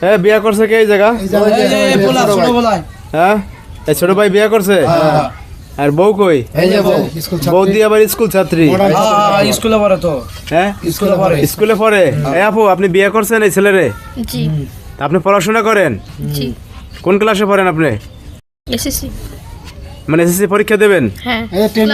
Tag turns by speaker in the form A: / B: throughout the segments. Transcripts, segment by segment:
A: হ্যাঁ বিয়ে করছে কে এই জায়গা? হ্যাঁ এই ছোট ভাই বিয়ে করছে। আর বউ কই? বউ দিয়ে আবার স্কুল ছাত্রী।
B: স্কুলে পড়ে তো।
A: হ্যাঁ স্কুলে পড়ে। এই আপু আপনি বিয়ে করছেন এই ছেলেরে?
C: জি।
A: আপনি পড়াশোনা করেন?
C: জি।
A: কোন ক্লাসে পড়েন আপনি?
C: এসএসসি।
A: মানে এসএসসি পরীক্ষা দেবেন?
C: হ্যাঁ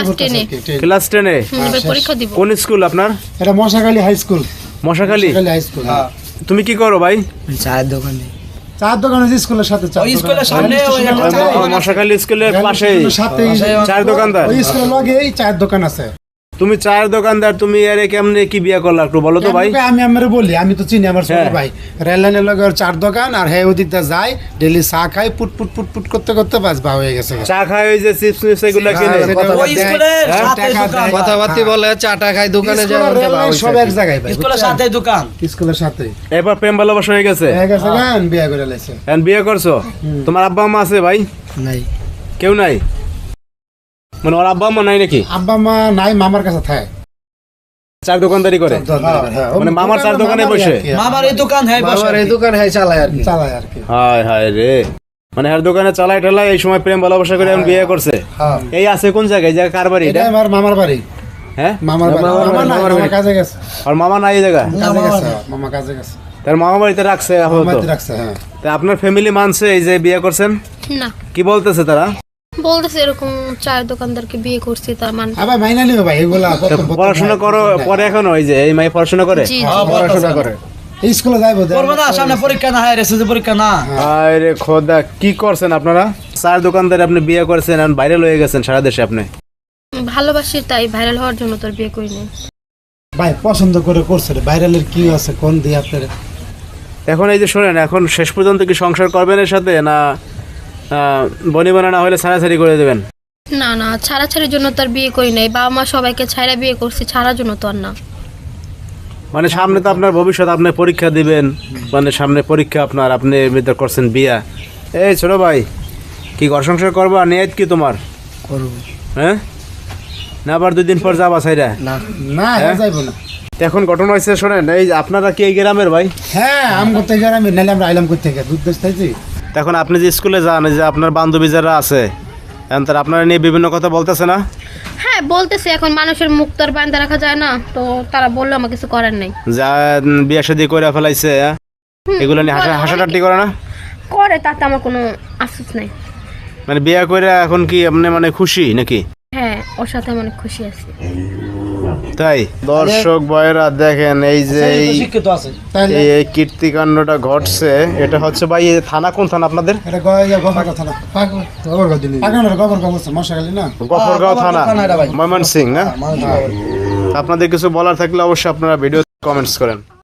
A: ক্লাস 10 এ
C: পরীক্ষা দিব।
A: কোন স্কুল আপনার?
D: এটা Mashakhali high school.
A: Mashakhali
D: high school.
A: তুমি কি করো ভাই?
B: চায়ের দোকানে।
D: চার দোকান আছে স্কুলের সাথে।
B: ওই স্কুলের সামনে ওই
A: মশাখালী স্কুলের পাশেই চায়ের দোকানদার।
D: ওই স্কুলের লগেই চায়ের দোকান আছে।
A: তুমি চায়ের দোকানদার, তুমি আরে কেমনে কি বিয়ে করলা একটু বলো তো ভাই।
D: আমি আমারে বলি, আমি তো চিনি আমার ছোট ভাই। রেল লাইনের লগে ওর চার দোকান, আর হ্যাঁ ওদিক দিয়ে যায় ডেইলি চা খাই, পুট পুট পুট পুট করতে করতে বাস বা হয়ে গেছে।
A: চা খায় ওই যে চিপস মিপস এগুলা কিনে
B: ওই স্কুলের সাথে দোকান।
E: কথাবার্তা বলে চাটা খাই দোকানে যায়
D: সব এক জায়গায় ভাই।
B: স্কুলের সাথে দোকান।
D: স্কুলের সাথে
A: এবার প্রেম ভালোবাসা হয়ে গেছে।
D: হয়ে গেছে গান বিয়ে করে লাইছে।
A: এখন বিয়ে করছো? তোমার আব্বা আম্মা আছে ভাই?
B: নাই।
A: কেউ নাই? মানে ওর আব্বা আম্মা নাই নাকি?
D: আব্বা মা নাই, মামার কাছে থাকে।
A: চার দোকানদারি করে? মানে মামার চার দোকানে বসে?
B: মামার এই দোকান হ্যাঁ বসে।
E: বাবার এই দোকান হ্যাঁ চালায় আর কি।
D: চালায় আর কি।
A: হায় হায় রে, মানে আর দোকানে চালাই টালাই এই সময় প্রেম ভালোবাসা করে এখন বিয়ে করছে। এই আছে কোন জায়গায়? এই জায়গা কার বাড়ি
D: এটা
A: এটা?
D: আমার মামার বাড়ি।
A: হ্যাঁ
D: মামার বাড়ি। মামা নাই, কাজে গেছে।
A: আর মামা নাই এই জায়গা?
D: কাজে গেছে, মামা কাজে গেছে।
A: তার মামা বাড়িতে রাখছে আপাতত?
D: মামাতে রাখছে, হ্যাঁ।
A: তা আপনার ফ্যামিলি মানছে এই যে বিয়ে করছেন?
C: না,
A: কি বলতেছে তারা?
C: বলতেছে এরকম চায়ের দোকানদারকে বিয়ে করছি তার মানে।
D: আবার মাইনা নিও ভাই এগুলা।
A: পড়াশোনা করো পরে এখনো? ওই যে এই মাই পড়াশোনা করে?
C: জি
E: পড়াশোনা করে।
D: এই স্কুলে যাইবো।
B: করবে না, সামনে পরীক্ষা না, হ্যাঁ এসএসসি পরীক্ষা না।
A: আরে খোদা, কি করছেন আপনারা? চার দোকানদার আপনি বিয়ে করেছেন, এখন ভাইরাল হয়ে গেছেন সারা দেশে। আপনি
C: ভালোবাসি তাই ভাইরাল হওয়ার জন্য তোর বিয়ে করিনি।
D: ভাই পছন্দ করে করছে রে, ভাইরালের কি আছে কোন দিয়ে আপনার?
A: এখন এই যে শোনেন, এখন শেষ পর্যন্ত কি সংসার করবেন এর সাথে, না বনি বানা না হলে ছাড়াছাড়ি করে দেবেন?
C: না না, ছাড়াছাড়ির জন্য তোর বিয়ে করি নাই। বাবা মা সবাইকে ছাড়া বিয়ে করছি, ছাড়ার জন্য তো আর না।
A: মানে সামনে তো আপনার ভবিষ্যৎ, আপনি পরীক্ষা দিবেন, মানে সামনে পরীক্ষা আপনার, আপনি এমনিতে করছেন বিয়া। এই ছোট ভাই, কি ঘর সংসার করবা? নিয়ত কি তোমার?
B: করব।
A: হ্যাঁ, না আবার 2 দিন পর যাবা ছাইরা?
B: না
D: না যাইবো না।
A: এখন ঘটনা হয়েছে শোনেন, এই যে আপনারা কি এই গ্রামের ভাই?
D: হ্যাঁ আম করতে গেলে আমি নাইলে আমরা আইলাম করতে গেলে দুধ দেশ থাইছি।
A: এখন আপনি যে স্কুলে যান, এই যে আপনার বান্ধবী যারা আছে, এখন তারা আপনারা নিয়ে বিভিন্ন কথা বলতেছে না?
C: হ্যাঁ বলতেছে, এখন মানুষের মুখ তো আর বাঁধা রাখা যায় না, তো তারা বললো আমার কিছু করার নেই।
A: যা বিয়া শাদী করে ফেলাইছে, এগুলো নিয়ে হাসাটাটি করে না?
C: করে, তাতে আমার কোনো আফসোস নাই।
A: মানে বিয়া করে এখন কি আপনি মানে খুশি নাকি?
C: হ্যাঁ, ওর সাথে আমি অনেক খুশি আছি।
A: তাই দর্শক ভাইরা দেখেন, এই যে
B: শিক্ষিত আছে।
A: এই কীর্তিকাণ্ডটা ঘটছে, এটা হচ্ছে ভাই এই থানা কোন থানা আপনাদের?
D: এটা গফরগাঁও থানা। গফরগাঁও দিলি। গফরগাঁও আছে মশাখালী না?
A: গফরগাঁও থানা,
B: ভাই।
A: ময়মনসিংহ। না আপনাদের কিছু বলার থাকলে অবশ্যই আপনারা ভিডিও কমেন্টস করেন।